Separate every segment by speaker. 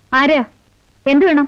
Speaker 1: ആരാ? എന്ത് വേണം?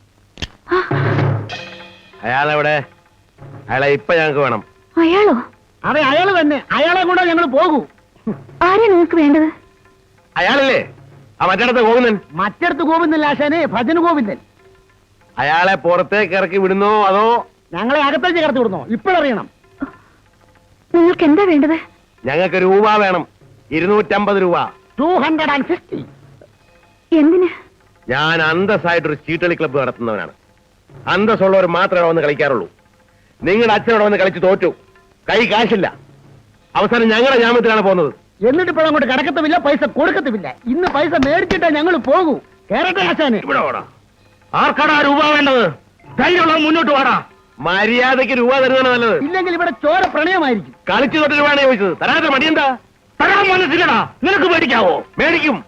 Speaker 2: അയാളെവിടെ? അയാളെ ഇപ്പൊ ഞങ്ങൾക്ക് വേണം.
Speaker 1: അയാളോ?
Speaker 3: അതെ, അയാള് തന്നെ. അയാളെ കൂടെ ഞങ്ങൾ പോകൂ.
Speaker 1: ആരാ നിങ്ങൾക്ക് വേണ്ടത്?
Speaker 2: അയാളല്ലേ ആ മറ്റിടത്ത് ഗോവിന്ദൻ?
Speaker 3: മറ്റിടത്ത് ഗോവിന്ദൻ ആശാനെ, ഭജന ഗോവിന്ദൻ.
Speaker 2: അയാളെ പുറത്തേക്ക് ഇറക്കി വിടുന്നോ അതോ
Speaker 3: ഞങ്ങളെ അകത്തേക്ക് കടത്തി വിടുന്നോ? ഇപ്പോഴറിയണം.
Speaker 1: നിങ്ങൾക്ക് എന്താ വേണ്ടത്?
Speaker 2: ഞങ്ങൾക്ക് രൂപ വേണം. 250 രൂപ.
Speaker 3: 250.
Speaker 1: എന്തിന്?
Speaker 2: ഞാൻ അന്തസ്സായിട്ടൊരു ചീട്ടളി ക്ലബ്ബ് നടത്തുന്നവനാണ്. അന്തസ്സുള്ളവർ മാത്രമേ വന്ന് കളിക്കാറുള്ളൂ. നിങ്ങളുടെ അച്ഛനോട് വന്ന് കളിച്ച് തോറ്റു. കൈ കാശില്ല. അവസാനം ഞങ്ങളുടെ ജാമ്യത്തിലാണ് പോകുന്നത്.
Speaker 3: എന്നിട്ട് ഇപ്പോൾ അങ്ങോട്ട് കിടക്കത്തുമില്ല, പൈസ കൊടുക്കത്തുമില്ല. ഇന്ന് പൈസ മേടിച്ചിട്ടേ ഞങ്ങൾ പോകൂ. കേരട്ടെ ആശാനെ.
Speaker 2: ഇവിടെ ഓടാ.
Speaker 3: ആർക്കാടാ രൂപ വേണ്ടത്? ധൈര്യമുള്ളത് മുന്നോട്ട് വാടാ.
Speaker 2: മര്യാദയ്ക്ക് രൂപ തരുന്നതാണ് നല്ലത്.
Speaker 3: ഇല്ലെങ്കിൽ ഇവിടെ ചോര പ്രണയമായിരിക്കും.
Speaker 2: കളിച്ചു തൊട്ട് രൂപയാണ് ചോദിച്ചത്. തരാത്ത മടി എന്താ?
Speaker 3: തരാൻ മനസ്സിലടാ. നിനക്ക് മേടിക്കാവോ?
Speaker 2: മേടിക്കും.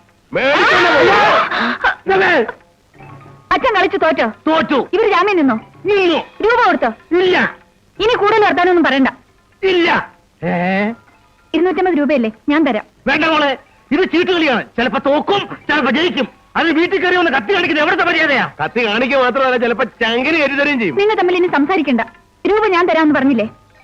Speaker 1: അച്ഛൻ കളിച്ചു തോറ്റോ?
Speaker 3: തോറ്റു.
Speaker 1: ഇവർ ജാമ്യം നിന്നോ?
Speaker 3: നിന്നു.
Speaker 1: രൂപ കൊടുത്തോ?
Speaker 3: ഇല്ല.
Speaker 1: ഇനി കൂടുതൽ വർത്താനൊന്നും പറയണ്ട.
Speaker 3: ഇല്ല.
Speaker 1: 250 രൂപയല്ലേ, ഞാൻ തരാം.
Speaker 3: വേണ്ട മോളെ, ഇത് ചീട്ടുകളിയാണ്. ചിലപ്പോ തോക്കും, ചിലപ്പോ ജയിക്കും. അത് വീട്ടിൽ കയറി ഒന്ന് കത്തി കാണിക്കുന്നത് എവിടുത്തെ മര്യാദയാ?
Speaker 2: കത്തി കാണിക്കുക മാത്രമല്ല, ചിലപ്പോ ചങ്കിന് കയറ്റി തരുകയും ചെയ്യും.
Speaker 1: നിങ്ങൾ തമ്മിൽ ഇനി സംസാരിക്കണ്ട. രൂപ ഞാൻ തരാമെന്ന് പറഞ്ഞില്ലേ?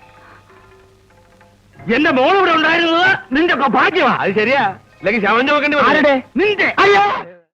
Speaker 3: എന്റെ മോളിവിടെ ഉണ്ടായിരുന്നത് നിന്റെ ഭാഗ്യമാ.
Speaker 2: അത് ശരിയാ. അല്ലെങ്കിൽ ശവം ചോക്കേണ്ടി
Speaker 3: ആരുടെ? നിന്റെ. അയ്യോ.